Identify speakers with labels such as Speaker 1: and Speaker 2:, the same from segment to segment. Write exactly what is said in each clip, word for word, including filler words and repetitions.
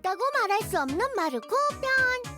Speaker 1: 덥다고 말할 수 없는 마르코 편.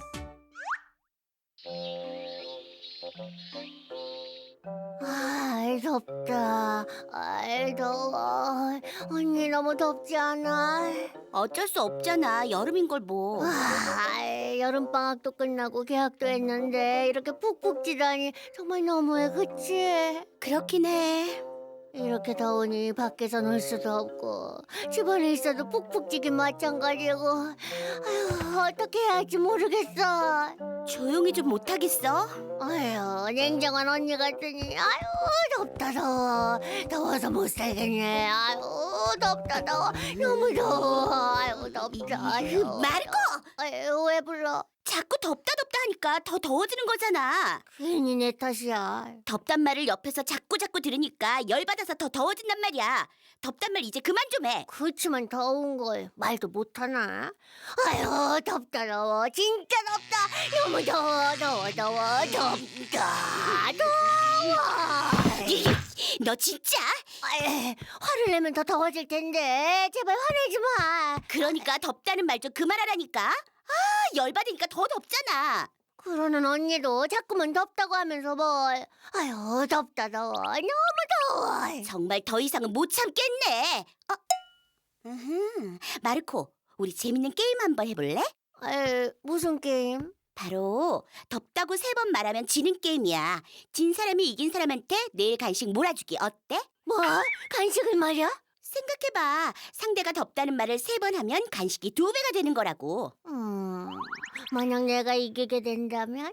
Speaker 1: 아, 덥다. 아, 더워. 언니 너무 덥지 않아?
Speaker 2: 어쩔 수 없잖아. 여름인 걸 뭐.
Speaker 1: 아, 여름방학도 끝나고 개학도 했는데 이렇게 푹푹 찌다니 정말 너무해, 그치?
Speaker 2: 그렇긴 해.
Speaker 1: 이렇게 더우니 밖에서 놀 수도 없고 집안에 있어도 푹푹 찌긴 마찬가지고. 아휴, 어떻게 해야 할지 모르겠어.
Speaker 2: 조용히 좀 못하겠어?
Speaker 1: 아휴, 냉정한 언니 같으니 아유 덥다 더워. 더워서 못 살겠네. 아유 덥다 더워. 너무 더워. 아유 덥다. 아유,
Speaker 2: 마르코!
Speaker 1: 아유, 왜 불러?
Speaker 2: 자꾸 덥다 덥다 하니까 더 더워지는 거잖아.
Speaker 1: 괜히 내 탓이야.
Speaker 2: 덥단 말을 옆에서 자꾸 자꾸 들으니까 열받아서 더 더워진단 말이야. 덥단 말 이제 그만 좀 해.
Speaker 1: 그렇지만 더운 걸 말도 못하나? 아유 덥다 더워. 진짜 덥다. 너무 더워 더워 더워 덥다 더워.
Speaker 2: 너 진짜?
Speaker 1: 아이, 화를 내면 더 더워질 텐데 제발 화내지 마.
Speaker 2: 그러니까 덥다는 말 좀 그만하라니까. 아, 열받으니까 더 덥잖아.
Speaker 1: 그러는 언니도 자꾸만 덥다고 하면서 뭘. 아유 덥다 더워 너무 더워.
Speaker 2: 정말 더 이상은 못 참겠네. 어? 으흠. 마르코, 우리 재밌는 게임 한번 해볼래?
Speaker 1: 에이, 무슨 게임?
Speaker 2: 바로 덥다고 세 번 말하면 지는 게임이야. 진 사람이 이긴 사람한테 내일 간식 몰아주기 어때?
Speaker 1: 뭐? 간식을 말이야?
Speaker 2: 생각해봐. 상대가 덥다는 말을 세 번 하면 간식이 두 배가 되는 거라고.
Speaker 1: 음, 만약 내가 이기게 된다면?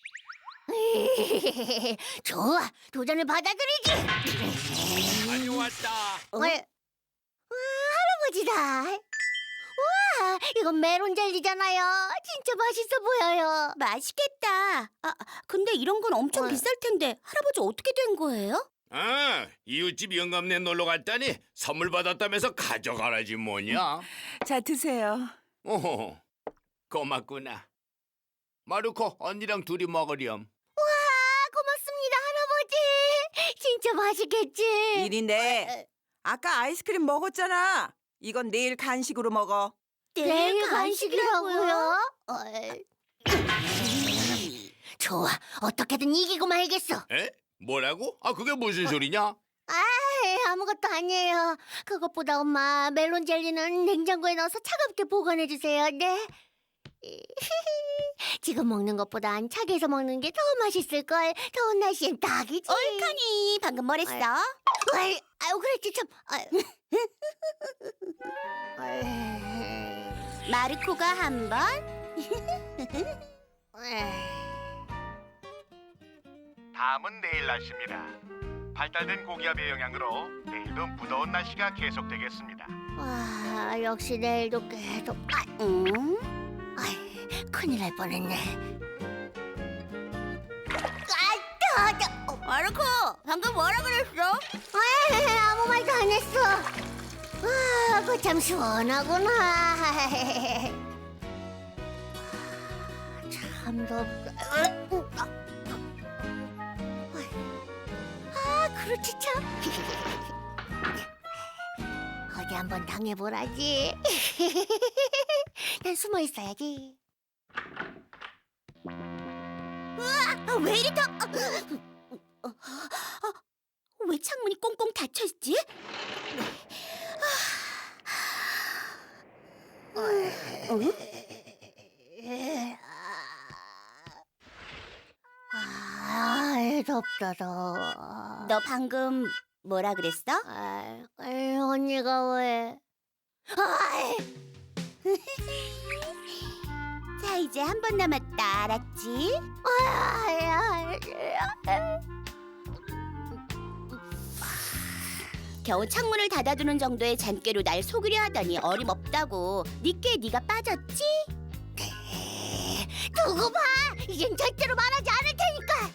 Speaker 1: 좋아, 도전을 받아들이지.
Speaker 3: 많이 왔다.
Speaker 2: 어?
Speaker 1: 어? 와, 할아버지다. 우와, 이건 메론 젤리잖아요. 진짜 맛있어 보여요.
Speaker 2: 맛있겠다. 아, 근데 이런 건 엄청
Speaker 1: 어.
Speaker 2: 비쌀 텐데 할아버지 어떻게 된 거예요?
Speaker 3: 아, 이웃집 영감네 놀러 갔다니 선물 받았다면서 가져가라지 뭐냐?
Speaker 4: 자, 드세요.
Speaker 3: 오호, 고맙구나. 마르코, 언니랑 둘이 먹으렴.
Speaker 1: 와, 고맙습니다, 할아버지. 진짜 맛있겠지?
Speaker 4: 일인데 아까 아이스크림 먹었잖아. 이건 내일 간식으로 먹어.
Speaker 1: 내일 간식이라고요? 어이. 좋아, 어떻게든 이기고 말겠어.
Speaker 3: 에? 뭐라고? 아, 그게 무슨 소리냐?
Speaker 1: 아이, 아무것도 아니에요. 그것보다 엄마, 멜론 젤리는 냉장고에 넣어서 차갑게 보관해 주세요. 네. 지금 먹는 것보단 차게서 먹는 게 더 맛있을 걸. 더운 날씨엔 딱이지.
Speaker 2: 옳카니 방금 뭐랬어?
Speaker 1: 아이, 아유, 그랬지 참. 아유. 아이.
Speaker 2: 마르코가 한 번,
Speaker 1: 아이.
Speaker 5: 다음은 내일 날씨입니다. 발달된 고기압의 영향으로 내일도 무더운 날씨가 계속되겠습니다.
Speaker 1: 와, 역시 내일도 계속. 아,
Speaker 2: 응?
Speaker 1: 아이, 큰일 날 뻔했네. 아, 저, 저.
Speaker 2: 마르코, 방금 뭐라 그랬어?
Speaker 1: 에이, 아무 말도 안 했어. 와, 그 참 시원하구나. 참 덥다. 아, 그렇지 참. 어디 한번 당해보라지. 난 숨어 있어야지.
Speaker 2: 아, 왜 이리 더... 어, 어, 어, 왜 창문이 꽁꽁 닫혀있지? 응?
Speaker 1: 아, 덥다 더워.
Speaker 2: 너 방금 뭐라 그랬어?
Speaker 1: 아, 에이, 언니가 왜? 아이,
Speaker 2: 자, 이제 한 번 남았다, 알았지?
Speaker 1: 아이, 아이, 아이.
Speaker 2: 겨우 창문을 닫아두는 정도의 잔꾀로 날 속이려 하더니 어림없다고. 니께 네가 빠졌지?
Speaker 1: 두고 봐. 이젠 절대로 말하지 않을 테니까.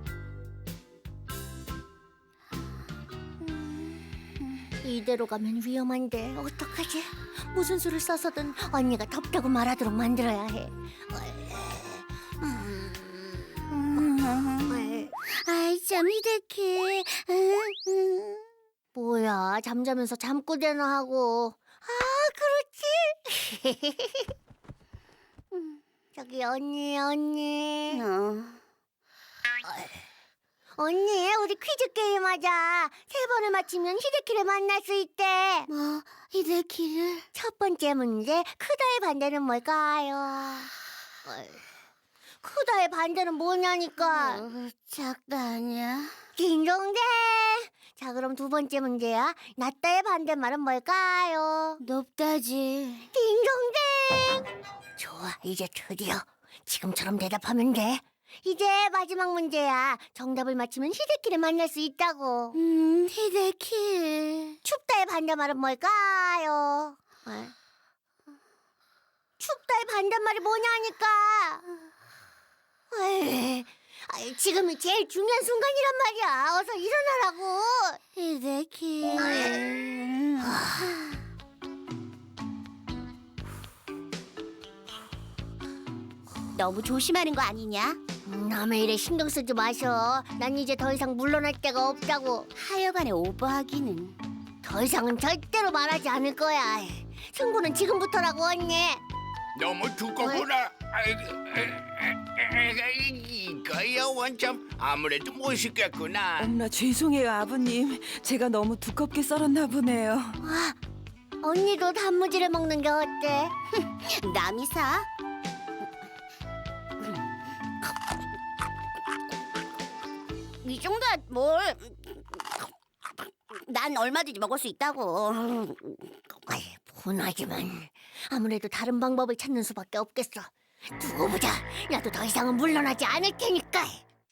Speaker 1: 이대로 가면 위험한데 어떡하지? 무슨 수를 써서든 언니가 덥다고 말하도록 만들어야 해. 음, 음,
Speaker 2: 아이, 참 희대해.
Speaker 1: 뭐야, 잠자면서 잠꼬대나 하고. 아, 그렇지. 저기 언니 언니
Speaker 2: 어.
Speaker 1: 언니 우리 퀴즈 게임 하자. 세 번을 맞히면 히데키를 만날 수 있대.
Speaker 2: 뭐 히데키를?
Speaker 1: 첫 번째 문제, 크다의 반대는 뭘까요? 어이, 크다의 반대는 뭐냐니까.
Speaker 2: 어, 작다 아니야?
Speaker 1: 딩동댕. 자, 그럼 두 번째 문제야. 낮다의 반대말은 뭘까요?
Speaker 2: 높다지.
Speaker 1: 딩동댕. 좋아, 이제 드디어 지금처럼 대답하면 돼. 이제 마지막 문제야. 정답을 맞히면 히데키를 만날 수 있다고.
Speaker 2: 음, 히데키.
Speaker 1: 춥다의 반대말은 뭘까요? 어? 춥다의 반대말이 뭐냐니까. 에이, 아이, 지금이 제일 중요한 순간이란 말이야. 어서 일어나라고.
Speaker 2: 히데키. 너무 조심하는 거 아니냐?
Speaker 1: 남의 일에 신경 쓰지 마셔. 난 이제 더 이상 물러날 데가 없다고.
Speaker 2: 하여간에 오버하기는.
Speaker 1: 더 이상은 절대로 말하지 않을 거야. 승부는 지금부터라고 언니.
Speaker 3: 너무 두껍구나. 아이고, 이거야 원참 아무래도 못 씻겠구나.
Speaker 4: 엄마 죄송해요 아버님. 제가 너무 두껍게 썰었나 보네요.
Speaker 1: 와, 언니도 단무지를 먹는 게 어때?
Speaker 2: 남이 사? 이 정도야 뭘? 난 얼마든지 먹을 수 있다고.
Speaker 1: 아이, 분하지만 아무래도 다른 방법을 찾는 수밖에 없겠어. 두고 보자. 나도 더 이상은 물러나지 않을 테니까.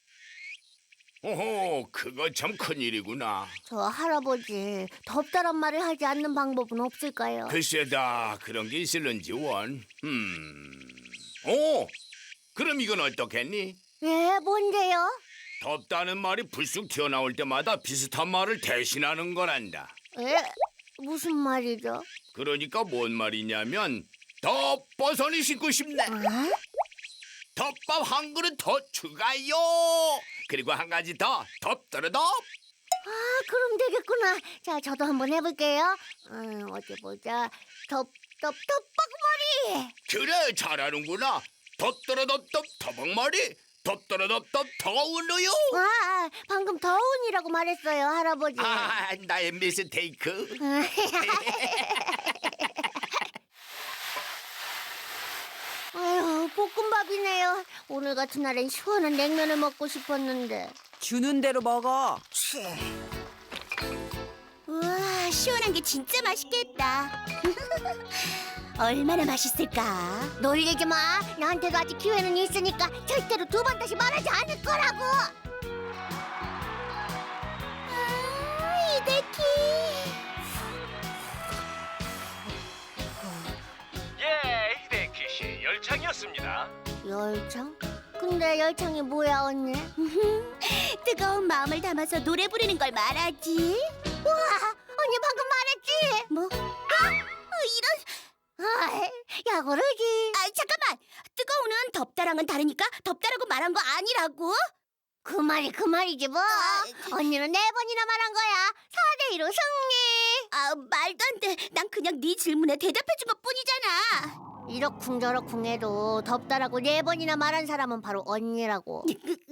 Speaker 3: 오호, 그거 참 큰일이구나.
Speaker 1: 저 할아버지, 덥다란 말을 하지 않는 방법은 없을까요?
Speaker 3: 글쎄다, 그런 게 있을런지 원. 음, 오, 그럼 이건 어떻겠니?
Speaker 1: 예, 뭔데요?
Speaker 3: 덥다는 말이 불쑥 튀어나올 때마다 비슷한 말을 대신하는 거란다.
Speaker 1: 예? 무슨 말이죠?
Speaker 3: 그러니까 뭔 말이냐면 더 버선이 신고 싶네.
Speaker 1: 어?
Speaker 3: 덮밥 한 그릇 더 추가요. 그리고 한 가지 더 덮더러덮.
Speaker 1: 아, 그럼 되겠구나. 자, 저도 한번 해볼게요. 음, 어디 보자. 덥, 덥, 덮밥머리.
Speaker 3: 그래, 잘하는구나. 덮더러덮덮 더벅머리. 덮더러덮덮 더운우유.
Speaker 1: 와, 방금 더운이라고 말했어요, 할아버지.
Speaker 3: 아, 나의 미스테이크.
Speaker 1: 아유, 볶음밥이네요. 오늘 같은 날엔 시원한 냉면을 먹고 싶었는데.
Speaker 4: 주는 대로 먹어.
Speaker 2: 우와, 시원한 게 진짜 맛있겠다. 얼마나 맛있을까?
Speaker 1: 놀리지 마. 나한테도 아직 기회는 있으니까 절대로 두 번 다시 말하지 않을 거라고.
Speaker 2: 아, 히데키.
Speaker 5: 예, 히데키 씨 열창이었습니다.
Speaker 1: 열창? 근데 열창이 뭐야, 언니?
Speaker 2: 뜨거운 마음을 담아서 노래 부르는 걸 말하지.
Speaker 1: 우와, 언니 방금 말했지?
Speaker 2: 뭐? 아, 어, 이런.
Speaker 1: 아이, 야, 그러지.
Speaker 2: 아, 잠깐만. 뜨거운은 덥다랑은 다르니까 덥다라고 말한 거 아니라고?
Speaker 1: 그 말이 그 말이지 뭐. 언니는 네 번이나 말한 거야. 사 대 이로 승리.
Speaker 2: 아, 말도 안 돼. 난 그냥 네 질문에 대답해 준 것뿐이잖아.
Speaker 1: 이러쿵저러쿵 해도 덥다라고 네 번이나 말한 사람은 바로 언니라고.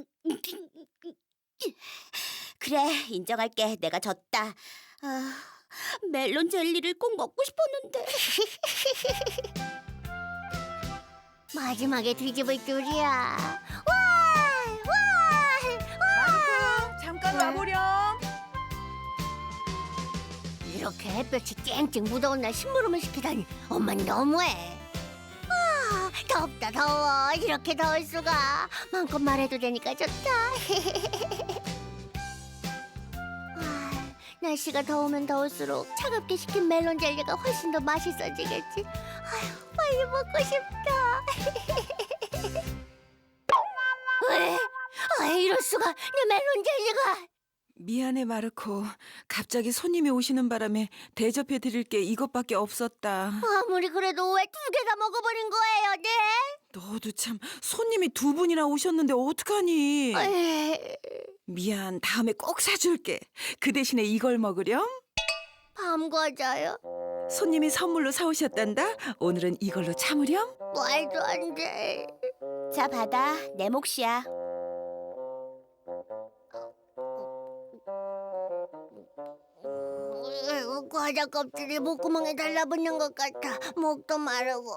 Speaker 2: 그래, 인정할게. 내가 졌다. 아, 멜론 젤리를 꼭 먹고 싶었는데.
Speaker 1: 마지막에 뒤집을 줄이야. 와! 와! 와!
Speaker 4: 잠깐
Speaker 1: 왜?
Speaker 4: 와보렴.
Speaker 1: 이렇게 햇볕이 쨍쨍 무더운 날 심부름을 시키다니 엄마는 너무해. 아, 덥다 더워. 이렇게 더울 수가. 마음껏 말해도 되니까 좋다. 아, 날씨가 더우면 더울수록 차갑게 식힌 멜론 젤리가 훨씬 더 맛있어지겠지. 아휴, 빨리 먹고 싶다. 왜? 아, 이럴 수가. 내 멜론 젤리가.
Speaker 4: 미안해 마르코. 갑자기 손님이 오시는 바람에 대접해 드릴 게 이것밖에 없었다.
Speaker 1: 아무리 그래도 왜 두 개 다 먹어버린 거예요, 네?
Speaker 4: 너도 참 손님이 두 분이나 오셨는데 어떡하니?
Speaker 1: 에이,
Speaker 4: 미안. 다음에 꼭 사줄게. 그 대신에 이걸 먹으렴.
Speaker 1: 밤 과자요?
Speaker 4: 손님이 선물로 사오셨단다. 오늘은 이걸로 참으렴.
Speaker 1: 말도 안 돼.
Speaker 2: 자, 받아. 내 몫이야.
Speaker 1: 으, 과자 껍질이 목구멍에 달라붙는 것 같아. 목도 마르고.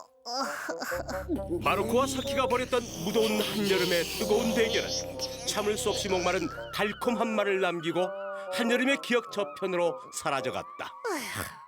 Speaker 6: 마르코와 사키가 벌였던 무더운 한여름의 뜨거운 대결은 참을 수 없이 목마른 달콤한 말을 남기고 한여름의 기억 저편으로 사라져갔다.